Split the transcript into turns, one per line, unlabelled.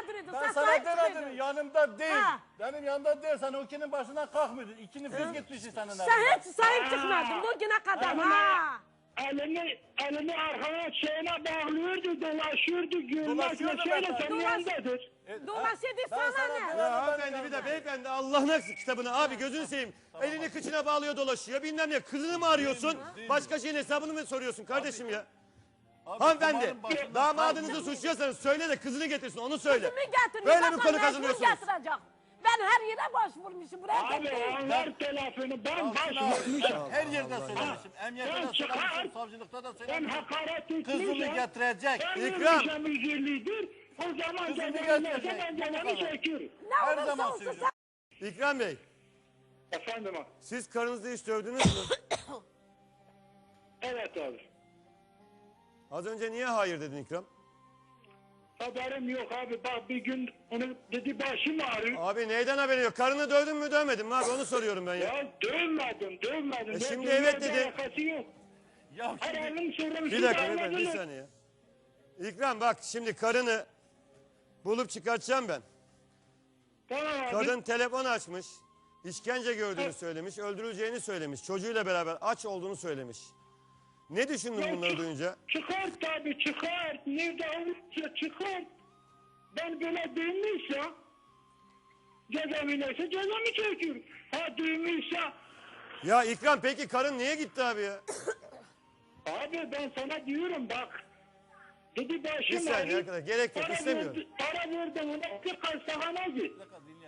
mağduruydu.
Ben
Sen
sana
sahip
demedim
çıkıyordun.
yanımda değil.
Ha.
Benim yanımda değil. Sen o ikinin başından kalkmıyordun. İkini biz gitmişiz senin
Sen
elinden.
hiç sahip çıkmadın bugüne kadar. Ha.
Elini arkana şeyine bağlıyordu, dolaşıyordu, gülmekle
Dolaşıyordu
şeyle
ben.
senin yanındadır.
Dolaşıyordu
Ben
sana
sana
ne?
demedim,
Ya
benim
hanımefendi bir de
yanımda.
beyefendi Allah'ın kitabını abi gözünü seveyim. Elini kıçına bağlıyor dolaşıyor bilmem ne. Kızını mı arıyorsun?
Değil mi?
Başka şeyin hesabını mı soruyorsun kardeşim ya?
Abi,
Hanımefendi
kumarın başından
damadınızı
kalkmıyor.
suçluyorsanız söyle de kızını getirsin onu söyle.
Kızımı getir.
Böyle bir
Bakalım
konu
mecbur
kazanıyorsunuz.
getirecek. Ben her yere başvurmuşum. Buraya
Abi
getireyim.
onlar telefonu ben
Ben
başvurmuşum.
her yerde söylemişim. Emniyette
Ben
de
çıkar.
söylemişim. Savcılıkta da
Ben
söylemişim.
hakaret
Kızını
etmişim.
getirecek.
Ben
İkram.
vermişim 150'dir. O zaman
Kızını
cezamı
getirecek.
ben cezamı çekiyorum.
Ne
Her
olursa
zaman
olsun
söylüyorum.
sen
İkram Bey
Efendim abi.
siz karınızı hiç dövdünüz mü?
Evet abi.
Az önce niye hayır dedin İkram?
Haberim yok abi. Bak bir gün onu dedi başım ağrıyor.
Abi neyden haberin yok? Karını dövdün mü dövmedin mi abi onu soruyorum ben ya.
Ya dövmedim. Ben
şimdi
dövmeyle
evet dedi.
alakası yok.
Ya şimdi
Aralım sorumsuz
Bir dakika beyefendi bir
davranılır.
saniye. İkram bak şimdi karını bulup çıkartacağım ben.
Tamam abi.
Kadın telefon açmış. İşkence gördüğünü söylemiş. Öldürüleceğini söylemiş. Çocuğuyla beraber aç olduğunu söylemiş. Ne düşündün
Ya
bunları duyunca?
Çıkart tabii çıkart. Nerede olursa çıkart. Ben böyle duymuşsa cezamı cezamı çekiyorum. Ha duymuşsa
Ya İkram peki karın niye gitti abi ya?
abi ben sana diyorum bak. Dedi
Bir
başım
saniye
ağrıyor.
arkadaş gerek yok istemiyorum.
Para verdim ona bir hastahane git.